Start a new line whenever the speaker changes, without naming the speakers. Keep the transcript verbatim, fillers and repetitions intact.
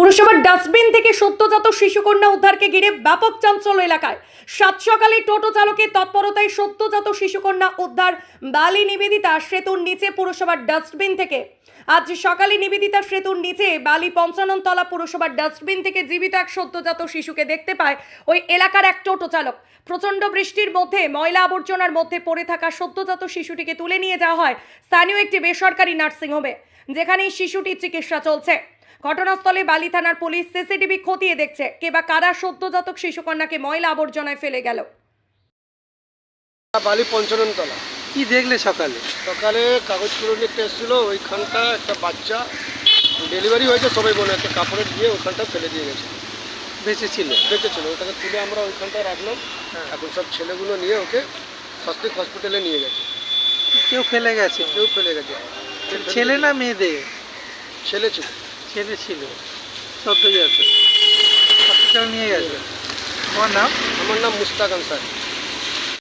পুরসভার ডাস্টবিন থেকে সদ্যজাত শিশুকন্যা উদ্ধারকে ঘিরে ব্যাপক চাঞ্চল্য এলাকায়। সাত সকালে টোটো চালকের তৎপরতায় সদ্যজাত শিশুকন্যা উদ্ধার বালি নিবেদিতা সেতুর নিচে পুরসভার ডাস্টবিন থেকে। আজ সকালে নিবেদিতা সেতুর নিচে বালি পঞ্চানন তলা পুরসভার ডাস্টবিন থেকে জীবিত এক সদ্যজাত শিশুকে দেখতে পায় ওই এলাকার এক টোটো চালক। প্রচণ্ড বৃষ্টির মধ্যে ময়লা আবর্জনার মধ্যে পড়ে থাকা সদ্যজাত শিশুটিকে তুলে নিয়ে যাওয়া হয় স্থানীয় একটি বেসরকারি নার্সিংহোমে, যেখানে শিশুটির চিকিৎসা চলছে। ঘটনাস্থলে বালি থানার পুলিশ সিসিটিভি খতিয়ে দেখছে কে বা কারা সদ্যজাত শিশুকন্যাকে ময়লা আবর্জনায় ফেলে গেল।
বালি পঞ্চানন তলা।
কি দেখলে সকালে?
সকালে কাগজ করে নিতে এসেছিলো, ওইখানটা একটা বাচ্চা ডেলিভারি হয়েছে সবাই বলে একটা কাপড়ে দিয়ে ওইখানটা ফেলে দিয়ে গেছে।
বেঁচে ছিল?
বেঁচে ছিল, ওটাকে তুলে আমরা ওইখানটা রাখলাম। এখন সব ছেলেগুলো নিয়ে ওকে স্বাস্থ্য হসপিটালে নিয়ে গেছে।
কেউ ফেলে গেছে?
কেউ ফেলে গেছে।
ছেলে না মেয়েদের?
ছেলে ছিল।
ছেলে ছিল সদ্যজাত, হসপিটাল নিয়ে গেছে। তোমার নাম?
আমার নাম মুস্তাক আনসার।